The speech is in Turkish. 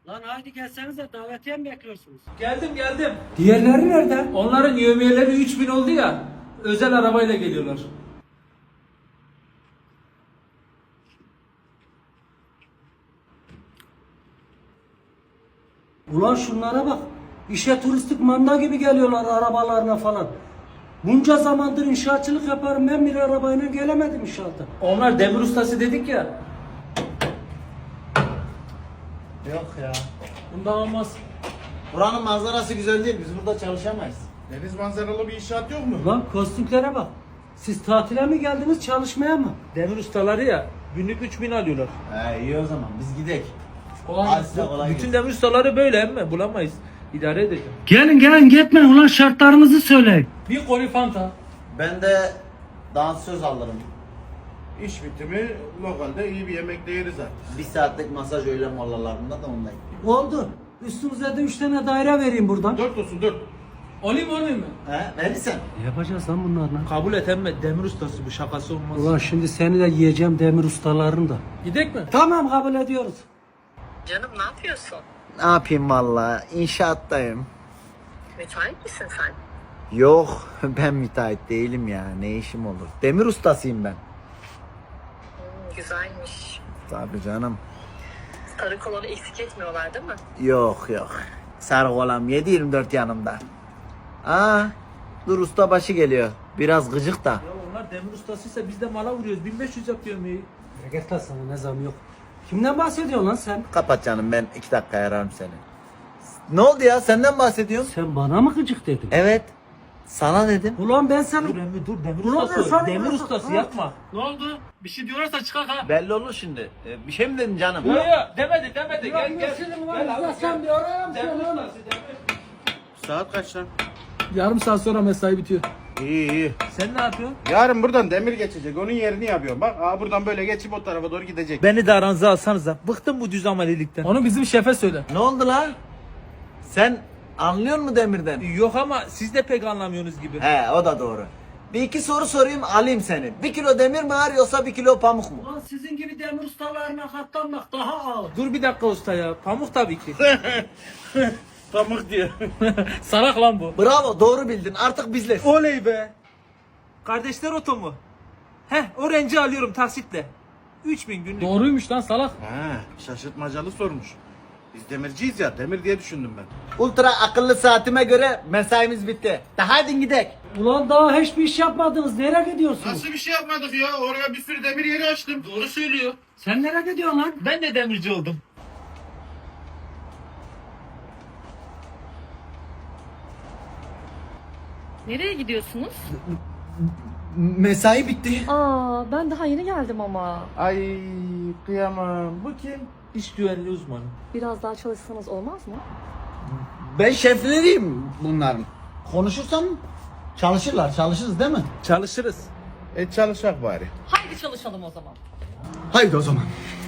Lan haydi gelsenize davetiye mi bekliyorsunuz? Geldim. Diğerleri nerede? Onların yevmiyeleri 3000 oldu ya. Özel arabayla geliyorlar. Ulan şunlara bak. İşe turistik manda gibi geliyorlar arabalarına falan. Bunca zamandır inşaatçılık yaparım, ben bir arabayla gelemedim inşaata. Onlar demir ustası dedik ya. Yok ya. Bundan olmaz. Buranın manzarası güzel değil. Biz burada çalışamayız. Deniz manzaralı bir inşaat yok mu? Ulan kostümlere bak. Siz tatile mi geldiniz, çalışmaya mı? Demir ustaları ya. Günlük 3000 alıyorlar. He iyi o zaman. Biz gidek. Kolay Hadi gelsin. size kolay Bütün gelsin. demir ustaları böyle emme. Bulamayız. İdare edeceğim. Gelin gitmeyin ulan, şartlarınızı söyleyin. Bir koli fanta. Ben de dansöz alırım. İş bitimi lokalde iyi bir yemek de yeriz artık. Bir saatlik masaj öğle molalarında da ondayım. Oldu. Üstünüze de 3 tane daire vereyim buradan. 4 olsun 4. Olayım mı? He verirsen. Ne yapacağız lan bunlarla? Kabul et emme. Demir ustası bu, şakası olmaz. Ulan şimdi seni de yiyeceğim, demir ustalarını da. Gidek mi? Tamam, kabul ediyoruz. Canım ne yapıyorsun? Ne yapayım valla? İnşaattayım. Müsait misin sen? Yok ben müteahhit değilim ya. Ne işim olur? Demir ustasıyım ben. Güzelmiş. Tabii canım. Sarı kolonu eksik etmiyorlar değil mi? Yok. Sarı olam 7/24 yanımda. Dur ustabaşı geliyor. Biraz gıcık da. Ya onlar demir ustasıysa biz de mala vuruyoruz. 1500 yapıyorum iyi. Git lan, sana ne zam yok. Kimden bahsediyorsun lan sen? Kapat canım, ben 2 dakika ararım seni. Ne oldu ya, senden bahsediyorum. Sen bana mı gıcık dedin? Evet. Sana dedim. Ulan ben sana... Dur emmi dur, demir Ulan ustası. ben sana- Demir ustası yapma. Ne oldu? Bir şey diyorlarsa çıkar ha. Belli olur şimdi. Bir şey mi dedin canım? Yok demedi. Gel. Sen bir arayayım Demir ustası demir. Saat kaç lan? Yarım saat sonra mesai bitiyor. İyi. Sen ne yapıyorsun? Yarın buradan demir geçecek. Onun yerini yapıyorum. Bak buradan böyle geçip o tarafa doğru gidecek. Beni de aranıza alsanıza. Bıktım bu düz amelilikten. Onu bizim şefe söyle. Ne oldu lan? Sen anlıyor musun demirden? Yok ama siz de pek anlamıyorsunuz gibi. He, o da doğru. Bir iki soru sorayım, alayım seni. 1 kilo demir mi ağır yoksa 1 kilo pamuk mu? Ulan sizin gibi demir ustalarına katlanmak daha ağır. Dur bir dakika usta ya. Pamuk tabii ki. Pamuk diyor. Salak lan bu. Bravo, doğru bildin. Artık bizle. Oley be. Kardeşler oto mu? Heh, o renci alıyorum taksitle. 3000 günlük. Doğruymuş lan salak. Ha, şaşırtmacalı sormuş. Biz demirciyiz ya. Demir diye düşündüm ben. Ultra akıllı saatime göre mesaimiz bitti. Hadi gidek. Ulan daha hiçbir iş yapmadınız. Nereye gidiyorsunuz? Nasıl bir şey yapmadık ya? Oraya bir sürü demir yeri açtım. Doğru söylüyor. Sen nereye gidiyorsun lan? Ben de demirci oldum. Nereye gidiyorsunuz? Mesai bitti. Aa, ben daha yeni geldim ama. Ay kıyamam. Bu kim? İş güvenliği uzmanı. Biraz daha çalışsanız olmaz mı? Ben şefleriyim bunların. Konuşursam çalışırız değil mi? Çalışırız. Çalışak bari. Haydi çalışalım o zaman. Haydi o zaman.